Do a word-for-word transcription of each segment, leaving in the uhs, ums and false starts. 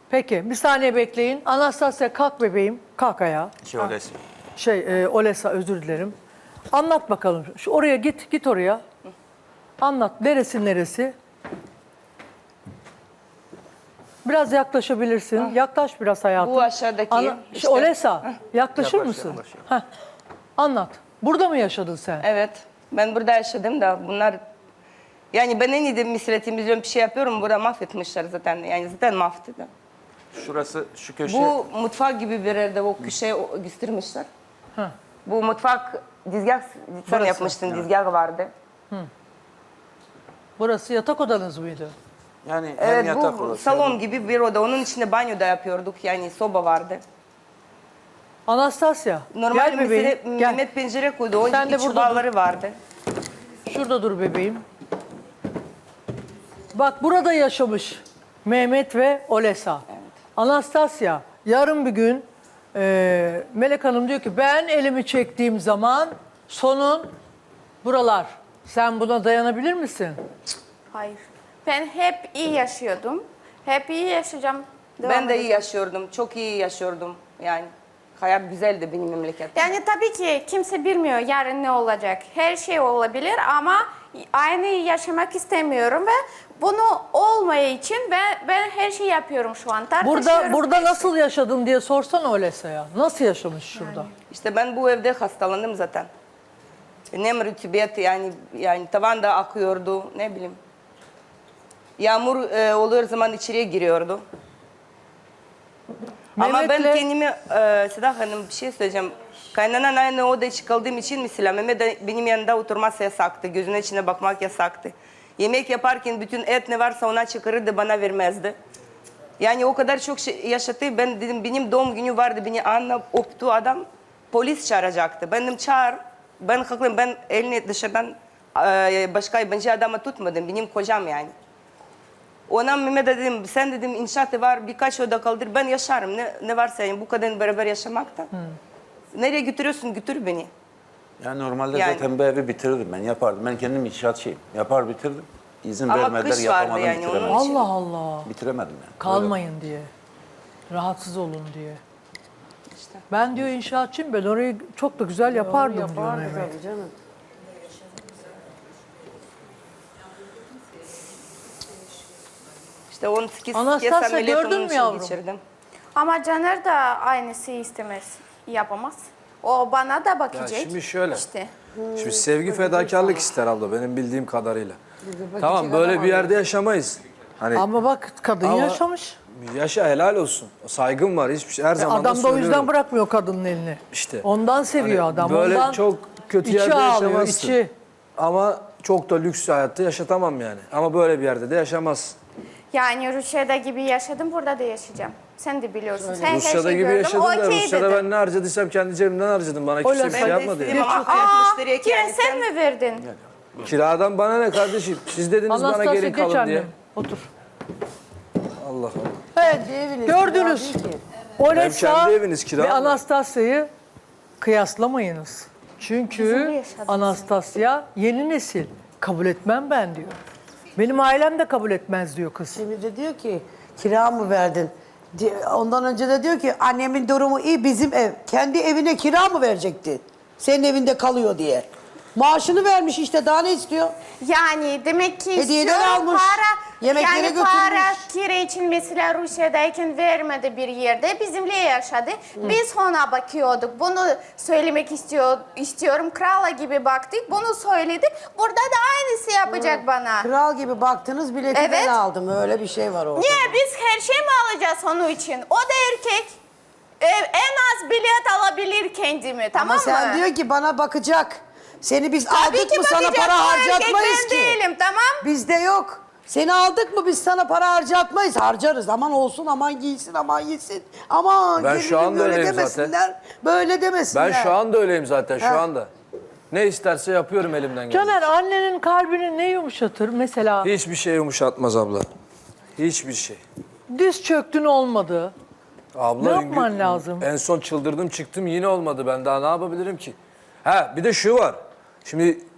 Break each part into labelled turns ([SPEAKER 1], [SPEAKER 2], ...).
[SPEAKER 1] Peki bir saniye bekleyin. Anastasya kalk bebeğim. Kalk ayağa.
[SPEAKER 2] Şey Olesa.
[SPEAKER 1] Şey e, Olesa özür dilerim. Anlat bakalım. Şu oraya git. Git oraya. Anlat. Neresi neresi? Biraz yaklaşabilirsin. Yaklaş biraz hayatım.
[SPEAKER 3] Bu aşağıdaki.
[SPEAKER 1] Ana,
[SPEAKER 3] işte.
[SPEAKER 1] şey, Olesa yaklaşır
[SPEAKER 2] Yaklaş,
[SPEAKER 1] mısın?
[SPEAKER 2] yaklaş, yaklaş.
[SPEAKER 1] Heh. Anlat. Burada mı yaşadın sen?
[SPEAKER 3] Evet. Ben burada yaşadım da bunlar... Yani ben en iyi de misle temizliyorum, bir şey yapıyorum. Burada mahvetmişler zaten. Yani zaten mahvetti.
[SPEAKER 2] Şurası, şu köşe.
[SPEAKER 3] Bu mutfak gibi bir yerde o köşeye o- göstermişler.
[SPEAKER 1] Ha.
[SPEAKER 3] Bu mutfak dizgah sen
[SPEAKER 1] Burası.
[SPEAKER 3] yapmıştın, dizgah vardı.
[SPEAKER 1] Burası yatak odanız mıydı?
[SPEAKER 2] Yani hem
[SPEAKER 3] Evet,
[SPEAKER 2] yatak
[SPEAKER 3] bu
[SPEAKER 2] odası.
[SPEAKER 3] salon
[SPEAKER 2] hem-
[SPEAKER 3] gibi bir oda. Onun içinde banyo da yapıyorduk. Yani soba vardı.
[SPEAKER 1] Anastasya
[SPEAKER 3] Normal
[SPEAKER 1] gel bebeğim.
[SPEAKER 3] mesele
[SPEAKER 1] Gel.
[SPEAKER 3] Mehmet pencere koydu. O
[SPEAKER 1] Sen de
[SPEAKER 3] iç
[SPEAKER 1] burada
[SPEAKER 3] bağları vardı.
[SPEAKER 1] Şurada dur bebeğim. Bak burada yaşamış Mehmet ve Olesa. Anastasya yarın bir gün e, Melek Hanım diyor ki ben elimi çektiğim zaman sonun buralar. Sen buna dayanabilir misin?
[SPEAKER 4] Hayır. Ben hep iyi yaşıyordum. Hep iyi yaşayacağım. Devam
[SPEAKER 3] Ben de iyi
[SPEAKER 4] edeceğim.
[SPEAKER 3] yaşıyordum. Çok iyi yaşıyordum. Yani hayat güzeldi benim memleketim.
[SPEAKER 4] Yani tabii ki kimse bilmiyor yarın ne olacak. Her şey olabilir ama aynı yaşamak istemiyorum ve bunu olmaya için ben, ben her şeyi yapıyorum şu an.
[SPEAKER 1] Burada
[SPEAKER 4] Tartışıyoruz,
[SPEAKER 1] burada
[SPEAKER 4] her şey.
[SPEAKER 1] nasıl yaşadın diye sorsana Olesa'ya. Nasıl yaşamış şurada?
[SPEAKER 3] İşte ben bu evde hastalandım zaten. Nem rütubet yani yani tavanda akıyordu ne bileyim. Yağmur e, oluyor zaman içeriye giriyordu. Ama ben
[SPEAKER 1] Mehmet'le-
[SPEAKER 3] kendimi e, Seda Hanım bir şey söyleyeceğim. Kaynanan aynı odaya çıkaldığım için mesela Mehmet de benim yanında oturması yasaktı. Gözüne içine bakmak yasaktı. Yemek yaparken bütün et ne varsa ona çıkarırdı bana vermezdi. Yani o kadar çok şey yaşattı. Ben dedim benim doğum günü vardı. Beni anla öptü adam. Polis çağıracaktı. Ben dedim çağır. Ben haklıyım. Ben elini dışarıdan e, başka yabancı adamı tutmadım. Benim kocam yani. Ona Mehmet'e dedim sen dedim inşaatı var birkaç oda kaldır ben yaşarım. Ne, ne varsa yani bu kadar beraber yaşamakta. Nereye götürüyorsun götür beni.
[SPEAKER 2] Yani normalde
[SPEAKER 3] Yani.
[SPEAKER 2] zaten bu evi bitirdim ben yapardım. Ben kendim inşaatçıyım. Yapar bitirdim. İzin
[SPEAKER 3] Ama
[SPEAKER 2] vermediler
[SPEAKER 3] kış vardı
[SPEAKER 2] yapamadım
[SPEAKER 3] yani,
[SPEAKER 2] bitiremedim.
[SPEAKER 3] onun için-
[SPEAKER 1] Allah Allah.
[SPEAKER 2] Bitiremedim yani.
[SPEAKER 1] Kalmayın diye. Rahatsız olun diye.
[SPEAKER 3] İşte.
[SPEAKER 1] Ben diyor inşaatçıyım ben orayı çok da güzel yapardım diyor Mehmet.
[SPEAKER 5] tabii canım.
[SPEAKER 3] İşte on sekiz
[SPEAKER 1] Anastasya,
[SPEAKER 3] kez ameliyat
[SPEAKER 1] gördün
[SPEAKER 3] onun
[SPEAKER 1] mü
[SPEAKER 3] için
[SPEAKER 1] yavrum?
[SPEAKER 3] geçirdim.
[SPEAKER 4] Ama Caner de aynısı istemez. Yapamaz. O bana da
[SPEAKER 6] Ya
[SPEAKER 4] bakacak.
[SPEAKER 6] şimdi şöyle.
[SPEAKER 4] İşte.
[SPEAKER 6] Şimdi sevgi fedakarlık ister abla benim bildiğim kadarıyla. Tamam böyle bir yerde yaşamayız. Hani
[SPEAKER 1] Ama bak kadın
[SPEAKER 6] Ama-
[SPEAKER 1] yaşamış.
[SPEAKER 6] yaşa helal olsun. Saygım var hiçbir şey her zaman da
[SPEAKER 1] Adam da o
[SPEAKER 6] söylüyorum.
[SPEAKER 1] yüzden bırakmıyor kadının elini.
[SPEAKER 6] İşte.
[SPEAKER 1] Ondan seviyor
[SPEAKER 6] Hani
[SPEAKER 1] adam.
[SPEAKER 6] böyle
[SPEAKER 1] Ondan
[SPEAKER 6] çok kötü
[SPEAKER 1] içi
[SPEAKER 6] yerde
[SPEAKER 1] ağlıyor,
[SPEAKER 6] yaşamazsın.
[SPEAKER 1] içi.
[SPEAKER 6] Ama çok da lüks hayatta yaşatamam yani. Ama böyle bir yerde de yaşamaz.
[SPEAKER 4] Yani Rusya'da gibi yaşadım, burada da yaşayacağım. Sen de biliyorsun. Sen her
[SPEAKER 6] Rusya'da
[SPEAKER 4] şeyi
[SPEAKER 6] gibi
[SPEAKER 4] gördün,
[SPEAKER 6] yaşadım da
[SPEAKER 4] okey
[SPEAKER 6] Rusya'da
[SPEAKER 4] dedin.
[SPEAKER 6] ben ne harcadıysam kendi cebimden harcadım. Bana kimse
[SPEAKER 1] Öyle
[SPEAKER 6] bir
[SPEAKER 1] ben
[SPEAKER 6] şey
[SPEAKER 3] Ben de
[SPEAKER 6] yapmadı.
[SPEAKER 3] istedim
[SPEAKER 6] Yani.
[SPEAKER 3] ama çok
[SPEAKER 4] Aa,
[SPEAKER 3] müşteriye
[SPEAKER 4] kira
[SPEAKER 3] yani
[SPEAKER 4] sen mi verdin?
[SPEAKER 6] Kiradan bana ne kardeşim? Siz dediniz bana
[SPEAKER 1] Anastasya
[SPEAKER 6] gelin
[SPEAKER 1] geç
[SPEAKER 6] kalın
[SPEAKER 1] annem.
[SPEAKER 6] diye.
[SPEAKER 1] Otur.
[SPEAKER 6] Allah Allah.
[SPEAKER 1] Evet
[SPEAKER 5] eviniz,
[SPEAKER 1] gördünüz.
[SPEAKER 5] kira değil ki.
[SPEAKER 1] Olesa
[SPEAKER 6] kendi eviniz kira
[SPEAKER 1] ve
[SPEAKER 6] mı?
[SPEAKER 1] Anastasya'yı kıyaslamayınız. Çünkü
[SPEAKER 4] Bizim de yaşadığımız
[SPEAKER 1] Anastasya yeni nesil. Kabul etmem ben diyor. Benim ailem de kabul etmez diyor kız.
[SPEAKER 5] Şimdi de diyor ki kira mı verdin? Di- Ondan önce de diyor ki annemin durumu iyi bizim ev. Kendi evine kira mı verecekti? Senin evinde kalıyor diye. Maaşını vermiş işte daha ne istiyor?
[SPEAKER 4] Yani demek ki
[SPEAKER 5] Hediyeler
[SPEAKER 4] istiyorum
[SPEAKER 5] almış,
[SPEAKER 4] para,
[SPEAKER 5] yemeklere
[SPEAKER 4] yani
[SPEAKER 5] götürmüş.
[SPEAKER 4] para kira için mesela Rusya'dayken vermedi bir yerde bizimle yaşadı. Biz ona bakıyorduk. Bunu söylemek istiyor, istiyorum. Krala gibi baktık. Bunu söyledi. Burada da aynısı yapacak bana.
[SPEAKER 5] Kral gibi baktınız bileti
[SPEAKER 4] Evet.
[SPEAKER 5] ben aldım. Öyle bir şey var orada.
[SPEAKER 4] Niye biz her şey mi alacağız onun için? O da erkek. Ee, en az bilet alabilir kendimi, tamam
[SPEAKER 5] Ama
[SPEAKER 4] mı?
[SPEAKER 5] sen diyor ki bana bakacak. Seni biz
[SPEAKER 4] Tabii
[SPEAKER 5] aldık
[SPEAKER 4] ki
[SPEAKER 5] mı sana
[SPEAKER 4] bakacak,
[SPEAKER 5] para
[SPEAKER 4] o erkek
[SPEAKER 5] harcatmayız
[SPEAKER 4] ben
[SPEAKER 5] ki.
[SPEAKER 4] değilim, tamam.
[SPEAKER 5] Bizde yok. Seni aldık mı biz sana para harcatmayız. Harcarız. Aman olsun, aman giysin, aman yesin. Aman
[SPEAKER 6] Ben
[SPEAKER 5] gelinim
[SPEAKER 6] şu anda
[SPEAKER 5] böyle
[SPEAKER 6] öyleyim
[SPEAKER 5] demesinler. Böyle demesinler.
[SPEAKER 6] Ben şu anda öyleyim zaten şu
[SPEAKER 5] Ha.
[SPEAKER 6] anda. Ne isterse yapıyorum elimden geleni.
[SPEAKER 1] Caner annenin kalbini ne yumuşatır? Mesela
[SPEAKER 6] Hiçbir şey yumuşatmaz abla. Hiçbir şey.
[SPEAKER 1] diz çöktün olmadı.
[SPEAKER 6] Abla
[SPEAKER 1] Ne yapman
[SPEAKER 6] gün-
[SPEAKER 1] lazım?
[SPEAKER 6] En son çıldırdım çıktım yine olmadı. Ben daha ne yapabilirim ki? Ha bir de şu var. Şimdi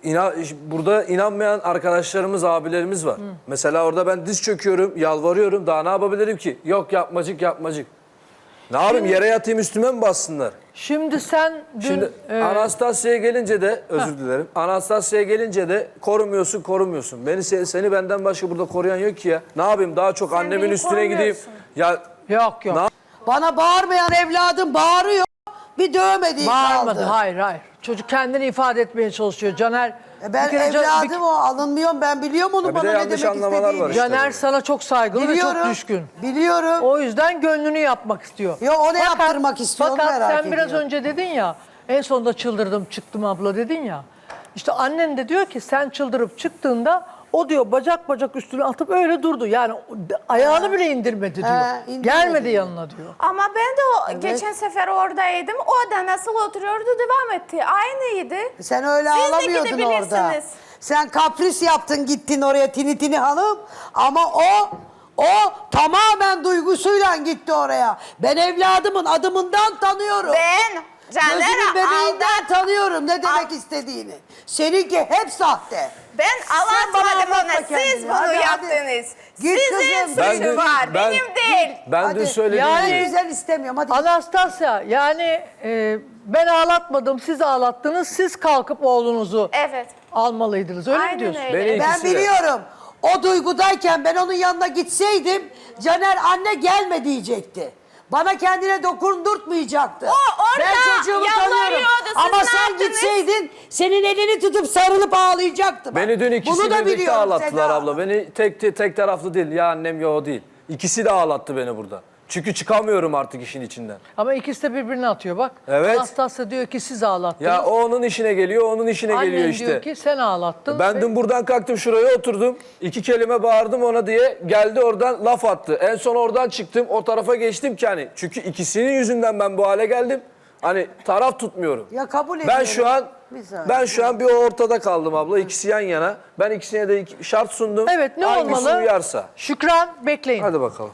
[SPEAKER 6] inan, burada inanmayan arkadaşlarımız, abilerimiz var. Mesela orada ben diz çöküyorum, yalvarıyorum. Daha ne yapabilirim ki? Yok yapmacık yapmacık. Ne yapayım, yere yatayım üstüme mi bassınlar?
[SPEAKER 1] Şimdi sen dün...
[SPEAKER 6] Şimdi
[SPEAKER 1] e,
[SPEAKER 6] Anastasya'ya gelince de, özür dilerim. Anastasya'ya gelince de korumuyorsun, korumuyorsun. Beni seni, seni benden başka burada koruyan yok ki ya. Ne yapayım, daha çok annemin
[SPEAKER 4] beni
[SPEAKER 6] üstüne gideyim.
[SPEAKER 4] korumuyorsun.
[SPEAKER 6] Ya
[SPEAKER 1] yok yok.
[SPEAKER 6] Ne-
[SPEAKER 5] Bana bağırmayan evladım bağırıyor. Bir dövmediği
[SPEAKER 1] Bağırmadı.
[SPEAKER 5] kaldı.
[SPEAKER 1] Hayır hayır. Çocuk kendini ifade etmeye çalışıyor. Caner...
[SPEAKER 5] E ben
[SPEAKER 1] bir kere Can-
[SPEAKER 5] evladım
[SPEAKER 1] bir-
[SPEAKER 5] o alınmıyorum ben biliyorum onu
[SPEAKER 6] Ya bir
[SPEAKER 5] bana
[SPEAKER 6] de
[SPEAKER 5] ne
[SPEAKER 6] yanlış
[SPEAKER 5] demek
[SPEAKER 6] anlamalar
[SPEAKER 5] istediğini.
[SPEAKER 6] var işte.
[SPEAKER 1] Caner sana çok saygılı ve
[SPEAKER 5] Biliyorum.
[SPEAKER 1] çok düşkün.
[SPEAKER 5] Biliyorum.
[SPEAKER 1] O yüzden gönlünü yapmak istiyor.
[SPEAKER 5] Yo, o ne yaptırmak istiyor, onu
[SPEAKER 1] Fakat
[SPEAKER 5] merak
[SPEAKER 1] sen biraz
[SPEAKER 5] ediyorum.
[SPEAKER 1] önce dedin ya, en sonunda çıldırdım çıktım abla dedin ya. İşte annen de diyor ki sen çıldırıp çıktığında o diyor bacak bacak üstüne atıp öyle durdu. Yani ayağını bile indirmedi diyor.
[SPEAKER 5] indirmedi
[SPEAKER 1] Gelmedi
[SPEAKER 5] diyor.
[SPEAKER 1] yanına diyor.
[SPEAKER 4] Ama ben de o geçen sefer oradaydım. O da nasıl oturuyordu devam etti. Aynıydı.
[SPEAKER 5] Sen öyle
[SPEAKER 4] Siz de
[SPEAKER 5] ağlamıyordun orada.
[SPEAKER 4] gidebilirsiniz.
[SPEAKER 5] Sen kapris yaptın gittin oraya tini tini hanım. Ama o o tamamen duygusuyla gitti oraya. Ben evladımın adımından tanıyorum.
[SPEAKER 4] Ben
[SPEAKER 5] Gözünün
[SPEAKER 4] Caner'e
[SPEAKER 5] bebeğinden
[SPEAKER 4] aldat.
[SPEAKER 5] tanıyorum ne demek
[SPEAKER 4] Al-
[SPEAKER 5] istediğini. Seninki hep sahte.
[SPEAKER 4] Ben
[SPEAKER 5] Sen bana
[SPEAKER 4] anlatmadım
[SPEAKER 5] anlatma
[SPEAKER 4] ona. Siz
[SPEAKER 5] kendini.
[SPEAKER 4] bunu
[SPEAKER 5] Hadi, hadi.
[SPEAKER 4] yaptınız.
[SPEAKER 5] Git
[SPEAKER 4] Sizin
[SPEAKER 5] kızım.
[SPEAKER 6] Ben
[SPEAKER 4] suçu
[SPEAKER 6] dün-
[SPEAKER 4] var.
[SPEAKER 6] ben-
[SPEAKER 4] Benim değil.
[SPEAKER 6] Ben
[SPEAKER 5] Hadi.
[SPEAKER 6] dün söylediğim
[SPEAKER 1] Yani-
[SPEAKER 6] gibi.
[SPEAKER 5] Güzel istemiyorum hadi.
[SPEAKER 1] Anastasya yani e, ben ağlatmadım siz ağlattınız siz kalkıp oğlunuzu
[SPEAKER 4] Evet.
[SPEAKER 1] almalıydınız öyle mi
[SPEAKER 4] Aynen
[SPEAKER 1] diyorsun?
[SPEAKER 4] öyle.
[SPEAKER 6] Beni
[SPEAKER 5] Ben
[SPEAKER 6] ikisi de.
[SPEAKER 5] biliyorum. O duygudayken ben onun yanına gitseydim Caner anne gelme diyecekti. Bana kendine dokundurtmayacaktı.
[SPEAKER 4] O orada
[SPEAKER 5] ben çocuğumu tanıyorum.
[SPEAKER 4] yalvarıyordu. Siz
[SPEAKER 5] Ama
[SPEAKER 4] ne
[SPEAKER 5] sen
[SPEAKER 4] yaptınız?
[SPEAKER 5] gitseydin senin elini tutup sarılıp ağlayacaktı. bak.
[SPEAKER 6] Beni dün ikisi
[SPEAKER 5] Bunu da
[SPEAKER 6] birlikte
[SPEAKER 5] biliyorum
[SPEAKER 6] ağlattılar
[SPEAKER 5] Seda.
[SPEAKER 6] abla. Beni tek tek, tek taraflı değil. Ya annem ya o değil. İkisi de ağlattı beni burada. Çünkü çıkamıyorum artık işin içinden.
[SPEAKER 1] Ama ikisi de birbirine atıyor bak.
[SPEAKER 6] Evet.
[SPEAKER 1] Anastasya diyor ki siz ağlattınız.
[SPEAKER 6] Ya o onun işine geliyor, onun işine
[SPEAKER 1] Annen
[SPEAKER 6] geliyor işte.
[SPEAKER 1] diyor ki sen ağlattın.
[SPEAKER 6] Ben
[SPEAKER 1] ve-
[SPEAKER 6] dün buradan kalktım şuraya oturdum. İki kelime bağırdım ona diye geldi oradan laf attı. En son oradan çıktım o tarafa geçtim ki hani. Çünkü ikisinin yüzünden ben bu hale geldim. Hani taraf tutmuyorum.
[SPEAKER 5] Ya kabul
[SPEAKER 6] Ben
[SPEAKER 5] ediyorum.
[SPEAKER 6] şu an
[SPEAKER 5] Bir saniye.
[SPEAKER 6] ben şu an bir ortada kaldım abla. İkisi yan yana. Ben ikisine de iki- şart sundum.
[SPEAKER 1] Evet ne
[SPEAKER 6] Hangisi
[SPEAKER 1] olmalı?
[SPEAKER 6] uyarsa.
[SPEAKER 1] Şükran bekleyin.
[SPEAKER 6] Hadi bakalım.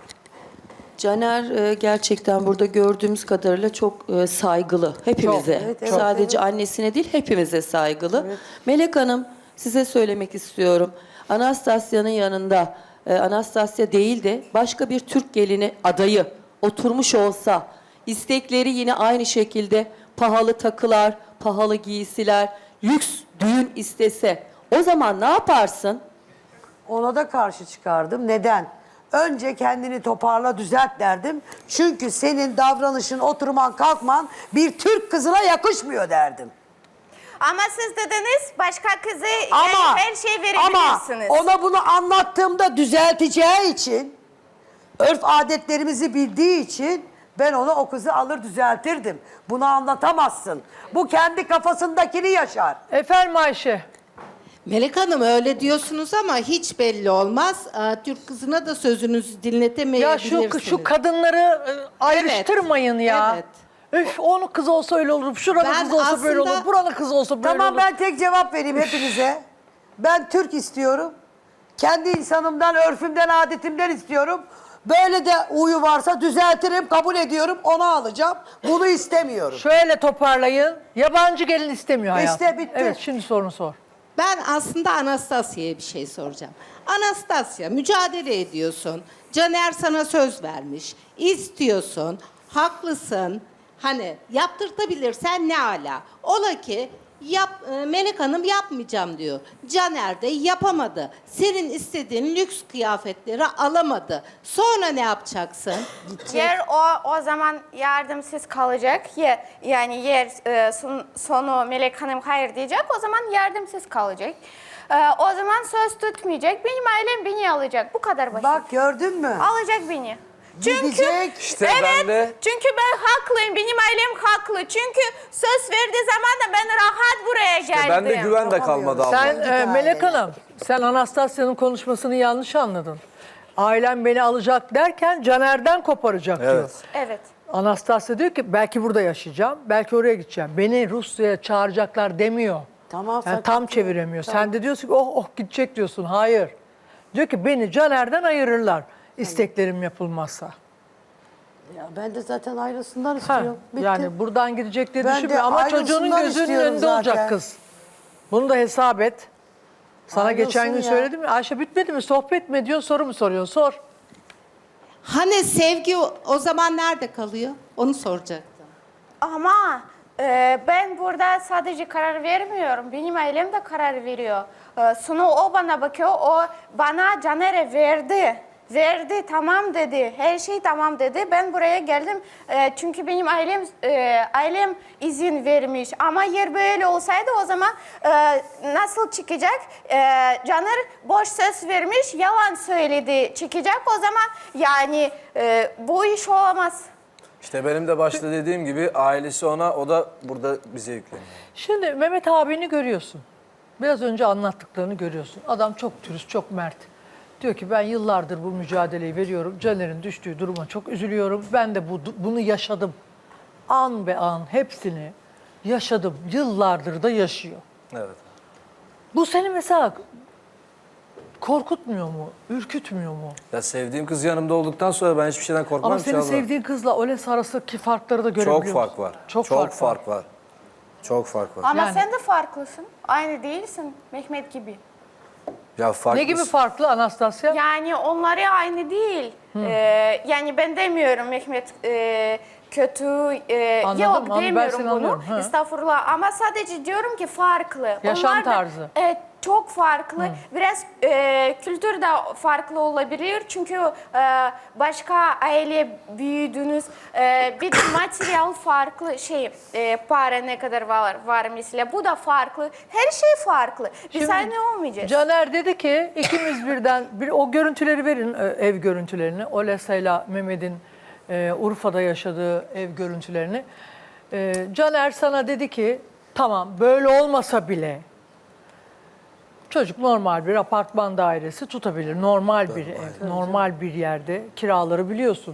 [SPEAKER 7] Caner e, gerçekten burada gördüğümüz kadarıyla çok e, saygılı hepimize.
[SPEAKER 1] Çok,
[SPEAKER 5] evet, evet,
[SPEAKER 7] Sadece annesine değil hepimize saygılı. Melek Hanım size söylemek istiyorum. Anastasya'nın yanında e, Anastasya değil de başka bir Türk gelini adayı oturmuş olsa istekleri yine aynı şekilde pahalı takılar, pahalı giysiler, lüks düğün istese o zaman ne yaparsın?
[SPEAKER 5] Ona da karşı çıkardım. Neden? Önce kendini toparla düzelt derdim. Çünkü senin davranışın, oturman, kalkman bir Türk kızına yakışmıyor derdim.
[SPEAKER 4] Ama siz dediniz başka kızı
[SPEAKER 5] Ama
[SPEAKER 4] yani her şeyi
[SPEAKER 5] ama
[SPEAKER 4] verebilirsiniz.
[SPEAKER 5] ona bunu anlattığımda düzelteceği için, örf adetlerimizi bildiği için ben ona o kızı alır düzeltirdim. Bunu anlatamazsın. Bu kendi kafasındakini yaşar.
[SPEAKER 1] Efendim Ayşe.
[SPEAKER 8] Melek Hanım öyle diyorsunuz ama hiç belli olmaz. Aa, Türk kızına da sözünüzü
[SPEAKER 1] Ya
[SPEAKER 8] dinletemeyebilirsiniz.
[SPEAKER 1] şu şu kadınları e, ayrıştırmayın ya.
[SPEAKER 8] evet.
[SPEAKER 1] Üf onun kız olsa öyle olur, şuranın
[SPEAKER 8] Ben
[SPEAKER 1] kız olsa böyle
[SPEAKER 8] aslında-
[SPEAKER 1] olur, buranın kız olsa böyle
[SPEAKER 5] Tamam
[SPEAKER 1] olur.
[SPEAKER 5] ben tek cevap vereyim hepinize. Ben Türk istiyorum. Kendi insanımdan, örfümden, adetimden istiyorum. Böyle de uyu varsa düzeltirim, kabul ediyorum, onu alacağım. Bunu istemiyorum.
[SPEAKER 1] Şöyle toparlayın. Yabancı gelin istemiyor hayatım.
[SPEAKER 5] İşte bitti.
[SPEAKER 1] Evet şimdi sorunu sor.
[SPEAKER 8] Ben aslında Anastasya'ya bir şey soracağım. Anastasya mücadele ediyorsun. Caner sana söz vermiş. İstiyorsun. Haklısın. Hani yaptırtabilirsen ne ala. Ola ki yap, e, Melek Hanım yapmayacağım diyor. Caner de yapamadı. Senin istediğin lüks kıyafetleri alamadı. Sonra ne yapacaksın?
[SPEAKER 4] Yer o o zaman yardımsız kalacak. Ye, yani yer e, son, sonu Melek Hanım hayır diyecek. O zaman yardımsız kalacak. E, o zaman söz tutmayacak. Benim ailem beni alacak. Bu kadar basit.
[SPEAKER 5] Bak gördün mü?
[SPEAKER 4] Alacak beni. Çünkü
[SPEAKER 5] Gidecek.
[SPEAKER 6] İşte
[SPEAKER 4] evet,
[SPEAKER 6] ben de-
[SPEAKER 4] çünkü ben haklıyım. Benim ailem haklı. Çünkü söz verdiği zaman da ben rahat buraya geldim.
[SPEAKER 6] Ben de güven de kalmadı abla.
[SPEAKER 1] Sen
[SPEAKER 5] Git
[SPEAKER 1] e, Melek
[SPEAKER 5] ailene.
[SPEAKER 1] Hanım, sen Anastasya'nın konuşmasını yanlış anladın. Ailem beni alacak derken Caner'den koparacak diyor.
[SPEAKER 6] Evet.
[SPEAKER 4] Evet.
[SPEAKER 1] Anastasya diyor ki belki burada yaşayacağım, belki oraya gideceğim. Beni Rusya'ya çağıracaklar demiyor.
[SPEAKER 5] Tamam,
[SPEAKER 1] Yani
[SPEAKER 5] sakın.
[SPEAKER 1] tam çeviremiyor. Sen de diyorsun ki oh oh gidecek diyorsun. Hayır. Diyor ki beni Caner'den ayırırlar isteklerim yapılmazsa.
[SPEAKER 5] Ya ben de zaten ayrısından
[SPEAKER 1] Ha,
[SPEAKER 5] istiyorum. Bitti.
[SPEAKER 1] yani buradan gidecek diye
[SPEAKER 5] Ben de
[SPEAKER 1] düşünmüyor ama çocuğunun
[SPEAKER 5] ayrılsınlar
[SPEAKER 1] gözünün
[SPEAKER 5] istiyorum
[SPEAKER 1] önünde olacak
[SPEAKER 5] zaten.
[SPEAKER 1] kız. Bunu da hesap et. Sana
[SPEAKER 5] Ayrılsın
[SPEAKER 1] geçen gün
[SPEAKER 5] ya.
[SPEAKER 1] söyledim ya. Ayşe bitmedi mi? Sohbet mi ediyorsun, soru mu soruyorsun? Sor.
[SPEAKER 8] Hani sevgi o, o zaman nerede kalıyor? Onu soracaktım.
[SPEAKER 4] Ama e, ben burada sadece karar vermiyorum. Benim ailem de karar veriyor. E, sonra o bana bakıyor. O bana Caner'e verdi. Verdi, tamam dedi. Her şey tamam dedi. Ben buraya geldim. E, çünkü benim ailem e, ailem izin vermiş. Ama yer böyle olsaydı o zaman e, nasıl çıkacak? E, Caner boş söz vermiş, yalan söyledi. Çıkacak o zaman yani e, bu iş olamaz.
[SPEAKER 6] İşte benim de başta dediğim gibi ailesi ona, o da burada bize yükleniyor.
[SPEAKER 1] Şimdi Mehmet abini görüyorsun. Biraz önce anlattıklarını görüyorsun. Adam çok dürüst, çok mert. Diyor ki ben yıllardır bu mücadeleyi veriyorum. Caner'in düştüğü duruma çok üzülüyorum. Ben de bu, bunu yaşadım. An be an hepsini yaşadım. Yıllardır da yaşıyor.
[SPEAKER 6] Evet.
[SPEAKER 1] Bu seni mesela korkutmuyor mu? Ürkütmüyor mu?
[SPEAKER 6] Ya sevdiğim kız yanımda olduktan sonra ben hiçbir şeyden korkmam
[SPEAKER 1] Ama
[SPEAKER 6] ki
[SPEAKER 1] senin
[SPEAKER 6] abla.
[SPEAKER 1] sevdiğin kızla Oles arasındaki farkları da görebiliyor
[SPEAKER 6] Çok
[SPEAKER 1] musun?
[SPEAKER 6] fark var.
[SPEAKER 1] Çok,
[SPEAKER 6] Çok
[SPEAKER 1] fark,
[SPEAKER 6] fark
[SPEAKER 1] var.
[SPEAKER 6] var. Çok fark var.
[SPEAKER 4] Ama
[SPEAKER 1] Yani-
[SPEAKER 4] sen de farklısın. Aynı değilsin Mehmet gibi.
[SPEAKER 6] Ya farklı.
[SPEAKER 1] Ne gibi farklı Anastasya?
[SPEAKER 4] Yani onları aynı değil. Ee, yani ben demiyorum Mehmet e, kötü. E,
[SPEAKER 1] Anladım,
[SPEAKER 4] yok
[SPEAKER 1] anladım. Ben
[SPEAKER 4] demiyorum
[SPEAKER 1] seni
[SPEAKER 4] bunu.
[SPEAKER 1] anlıyorum, ha.
[SPEAKER 4] Estağfurullah. Ama sadece diyorum ki farklı.
[SPEAKER 1] Yaşam
[SPEAKER 4] Onlar da-
[SPEAKER 1] tarzı.
[SPEAKER 4] Evet, çok farklı. Biraz e, kültür de farklı olabilir. Çünkü e, başka aile büyüdünüz. E, bir de materyal farklı şey. E, para ne kadar var, var mesela. Bu da farklı. Her şey farklı. Biz
[SPEAKER 1] Şimdi
[SPEAKER 4] aynı olmayacağız.
[SPEAKER 1] Caner dedi ki ikimiz birden bir o görüntüleri verin e, ev görüntülerini. Olesa'yla Mehmet'in e, Urfa'da yaşadığı ev görüntülerini. E, Caner sana dedi ki tamam böyle olmasa bile çocuk normal bir apartman dairesi tutabilir. Normal bir ev, normal bir yerde kiraları biliyorsun.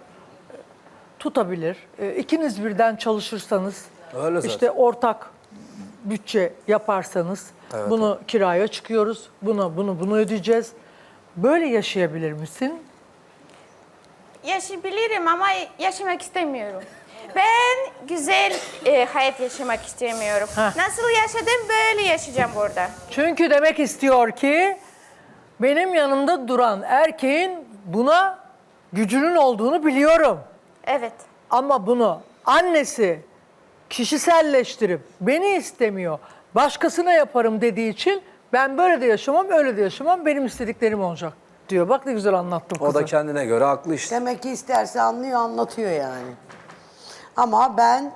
[SPEAKER 1] Tutabilir. E, İkiniz birden çalışırsanız
[SPEAKER 6] Öyle zaten.
[SPEAKER 1] işte ortak bütçe yaparsanız bunu kiraya çıkıyoruz. Bunu bunu bunu ödeyeceğiz. Böyle yaşayabilir misin?
[SPEAKER 4] Yaşayabilirim ama yaşamak istemiyorum. Ben güzel e, hayat yaşamak istemiyorum.
[SPEAKER 1] Heh.
[SPEAKER 4] Nasıl yaşadım böyle yaşayacağım burada.
[SPEAKER 1] Çünkü demek istiyor ki benim yanımda duran erkeğin buna gücünün olduğunu biliyorum.
[SPEAKER 4] Evet.
[SPEAKER 1] Ama bunu annesi kişiselleştirip beni istemiyor, başkasına yaparım dediği için ben böyle de yaşamam, öyle de yaşamam, benim istediklerim olacak diyor. Bak ne güzel anlattım
[SPEAKER 6] O
[SPEAKER 1] kızı.
[SPEAKER 6] da kendine göre haklı işte.
[SPEAKER 5] Demek ki isterse anlıyor, anlatıyor yani. Ama ben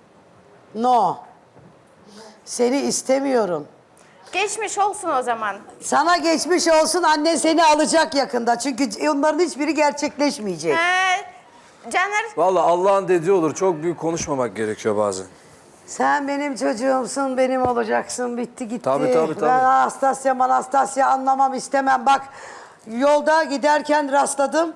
[SPEAKER 5] no. Seni istemiyorum.
[SPEAKER 4] Geçmiş olsun o zaman.
[SPEAKER 5] Sana geçmiş olsun, annen seni alacak yakında. Çünkü onların hiçbiri gerçekleşmeyecek.
[SPEAKER 4] Ee, Caner
[SPEAKER 6] Vallahi Allah'ın dediği olur. Çok büyük konuşmamak gerekiyor bazen.
[SPEAKER 5] Sen benim çocuğumsun, benim olacaksın. Bitti gitti.
[SPEAKER 6] Tabii, tabii, tabii.
[SPEAKER 5] Ben Anastasya, Anastasya anlamam, istemem. Bak yolda giderken rastladım.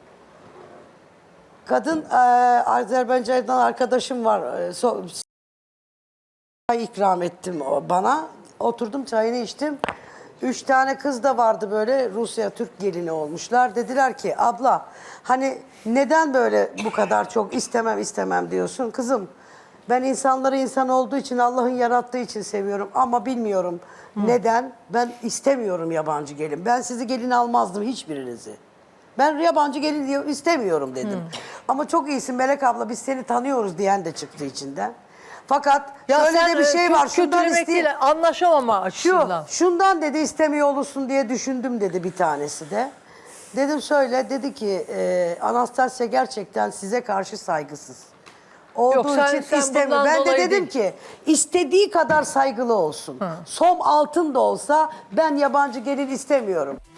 [SPEAKER 5] Kadın e, Azerbaycan'dan arkadaşım var. E, so, çay ikram ettim o bana. Oturdum çayını içtim. Üç tane kız da vardı böyle Rusya Türk gelini olmuşlar. Dediler ki abla hani neden böyle bu kadar çok istemem istemem diyorsun kızım. Ben insanları insan olduğu için Allah'ın yarattığı için seviyorum ama bilmiyorum neden ben istemiyorum yabancı gelin. Ben sizi gelin almazdım hiçbirinizi. Ben yabancı gelin diye istemiyorum dedim. Ama çok iyisin Melek abla biz seni tanıyoruz diyen de çıktı içinden. Fakat şöyle de bir
[SPEAKER 1] e,
[SPEAKER 5] şey
[SPEAKER 1] kö-
[SPEAKER 5] var. Şundan
[SPEAKER 1] kötülemek
[SPEAKER 5] isteyeyim.
[SPEAKER 1] değil, anlaşamama
[SPEAKER 5] Şu,
[SPEAKER 1] açısından.
[SPEAKER 5] şundan dedi istemiyor olursun diye düşündüm dedi bir tanesi de. Dedim söyle dedi ki e, Anastasya gerçekten size karşı saygısız. Olduğu
[SPEAKER 1] Yok, sen-
[SPEAKER 5] için
[SPEAKER 1] sen
[SPEAKER 5] istemiyor.
[SPEAKER 1] bundan
[SPEAKER 5] Ben de
[SPEAKER 1] dolayı
[SPEAKER 5] dedim ki istediği kadar saygılı olsun. Som altın da olsa ben yabancı gelin istemiyorum.